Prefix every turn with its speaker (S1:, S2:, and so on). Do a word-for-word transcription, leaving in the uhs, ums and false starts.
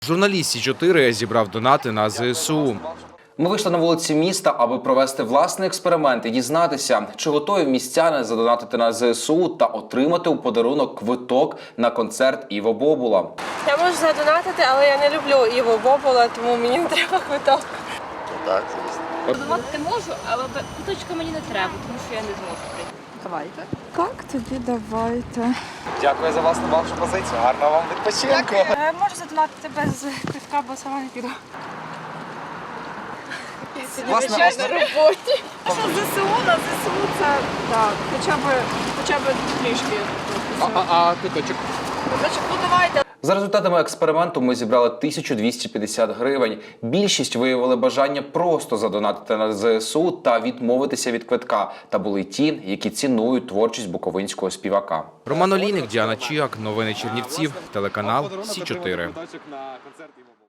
S1: Журналіст Сі чотири зібрав донати на Зе Ес У.
S2: Ми вийшли на вулиці міста, аби провести власний експеримент і дізнатися, чи готові містяни задонатити на Зе Ес У та отримати у подарунок квиток на концерт Іво Бобула.
S3: Я можу задонатити, але я не люблю Іво Бобула, тому мені не треба квиток.
S4: Так, звісно.
S5: Задонатити можу, але квиточка мені не треба, тому що я не зможу прийти.
S3: Давайте.
S6: Так, тоді давайте.
S4: Дякую за власну вашу позицію. Гарного вам відпочинку.
S3: Я можу задонатити без квитка, бо сама не піду.
S4: Власне,
S3: на
S4: основ-
S3: роботі.
S6: Що Зе Ес У, на Зе Ес У це так, хоча б, хоча б трішки.
S4: А, а, а квиточок?
S6: Значить, ну давайте.
S2: За результатами експерименту ми зібрали тисячу двісті п'ятдесят гривень. Більшість виявили бажання просто задонатити на Зе Ес У та відмовитися від квитка. Та були ті, які цінують творчість буковинського співака.
S1: Роман Олійник, Діана Чіак, новини Чернівців, телеканал Сі чотири.